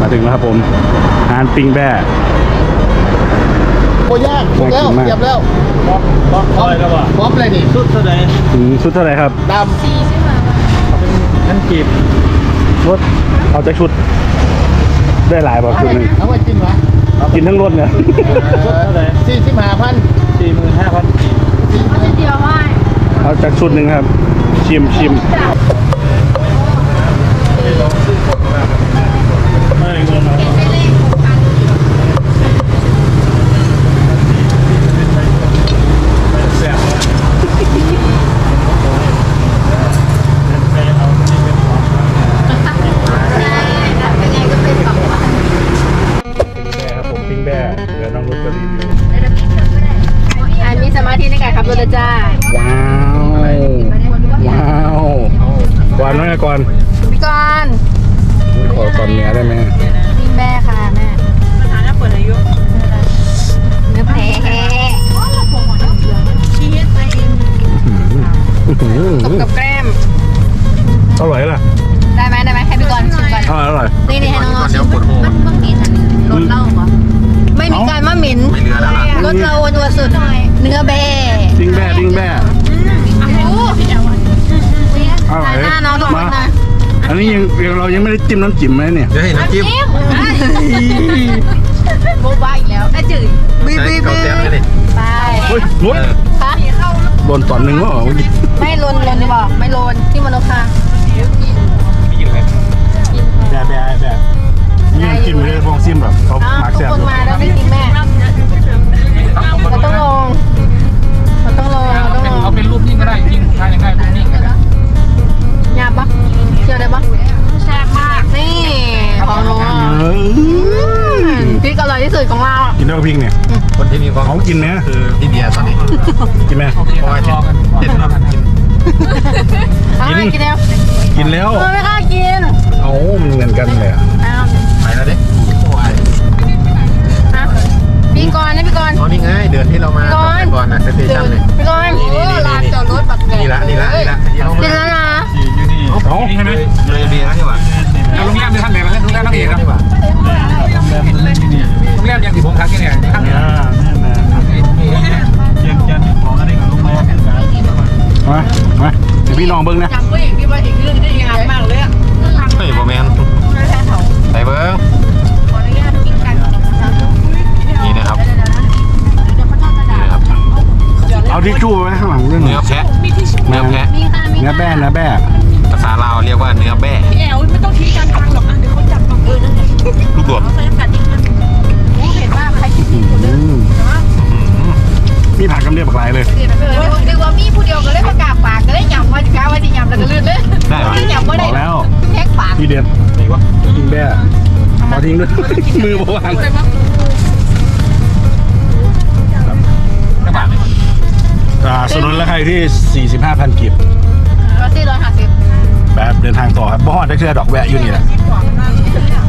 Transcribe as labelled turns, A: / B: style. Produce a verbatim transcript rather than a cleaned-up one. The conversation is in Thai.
A: มาถึงแล้วครับผมร้านปิ้งแบ่
B: โอ้ยากถูกแล้วเรียบแล้วพร้อมพร้อมพร้อมแล้วป่ะพร้อมเลยนี่ชุดเท่าไหร่
A: ชุดเท่าไหร่ครับ
B: ดำสี่ใช่ไหมเป็นขั้นกีบ
A: รถเอาจากชุดได้หลายบ่ชุดหนึ่ง
B: เอาไว้กินวะ
A: กินทั้งรถเนี่ย
B: ชุดเท่าไหร่สี่สิบห้าพันสี่หมื่นห้าพันเอาเดียวไหม
A: เอาจากชุดหนึ่งครับชิมชิมไม่เงินนะ
C: จ้า
A: ว้าวว้าวก่อนน้อยก่อน
C: พี่กอน
A: ขอก่อนเนื้อได้ไหม
C: นี่แม่ค่ะแม่ปัญหาหน้าเปิดอายุเนื้อแผลตบกับแกล้ม
A: อร่อยล่ะ
C: ได้ไหมได้ไหมให้พี่กอนชิมก่อน
A: อร่อย
C: นี่นี่ให้น้องๆชิมมันมันมีแต่รสเหล้าเหรอไม่มีการมะหมิ่นรสเราตัวสุดเนื้อแบ่
A: ปิ้งแบ่ปิ้งแบ่อร่อย
C: หน้าน้องทุกคนนะ
A: อันนี้ยังเรายังไม่ได้จิ้มน้ำจิ้มไหมเนี่ย
B: จะเห็นน้ำจิ้ม
C: โบบ้าอีกแล้วไอ้จืดบีบีบีไป
A: เฮ้ยลุ้นโดนตอนหนึ่งวะ
C: ไม่ลนลนดีบอกไม่ลนที่มโนคา
A: ไม่กินเลยแบ่แบ่แบ่นี่จิ้มเลยพวกซิมแบบเขาหมักแซ่บ
C: ทุกคนมาแล้วไม่กินแม่เราต้องลงเราต้องลงเราต้องลง
B: เอาเป็นรูปนิ่งก็ได้จริงทานยังไงรูปนิ่งก็ได้
C: หยาบปะเชียวได้ปะแซ่บมากนี่ของหนูพริกอร่อยที่สุดของเรา
A: กินได้พริกเนี่ย
B: คนที่มีความ
A: เขากินไหม
B: คือพี่เบียร์ตอนนี้
A: กินไหม
B: เพราะว่าเจ็ดรอบกิน
C: กินกินแล้ว
A: กินแล้ว
C: ไม่กล้ากิน
A: เอามันเหมือนกันเลยอ่ะ
B: ไปแล้วดิ
C: พี่กรณ์นะพี่กรณ์
B: อ๋อนี่ไงเดือนที่เรามาก่อนนะสเตชันเลย
C: พี่กรณ์ลานจอดรถปักเกร็ด
B: นี่ละนี่ละนี่ละ
C: กินแล้วนะ
B: อยู่นี่อ๋อนี่ใช่ไหมเลยเบียร์นี่หว่าโรงแรมที่ท่านไหนมาโรงแรมนักเรียนนะโรงแรมยังที่ผมทักที่เนี่ยข้างนี้เชียงจันทร์ของอะไรกับโรงแรม
A: มามาเดี๋ยวพี่ลองเบิ้งนะ
C: จำก็อย่างที่ว่าอีกเรื่องที่งานมากเลยอ่ะ
B: เฮ้ยโมเมนต์ใส่เบิ้งนี่นะครับ
A: เอาทิชชู่ไว้ข้างหลังเรื่อง
B: เนื้อแพะเนื้อแพะ
A: เนื้อแบ่เนื้อแบ่
B: ภาษาลาวเรียกว่าเนื้อแบ่
C: แอลไม่ต้องทิ้งการทางหรอกเดี๋ยวเขาจับกับเออนั่นแหละ
B: ลูกดวง
C: เห็นว่าใครคิดผิดคนนึง
A: มีผักกำเดียบปลายเลย
C: นึกว่ามีผู้เดียวก็เลยประกาศปากก็เลยยำว่าจะก้าวว่าจะยำแล้วก็ลื่นเลย
B: ได้ไหม
C: ยำว่าได้
A: แล้ว
C: แท็กปาก
A: พี่เด็ดทิ้งแบ่พอทิ้งด้วยมือวางสนุนราคาที่ สี่สิบห้าพัน กิบ
C: รถที่ร้อยห้าสิบ
A: แบบเดินทางต่อครับบ่ฮอดได้เชื่อดอกแวะอยู่นี่แหละ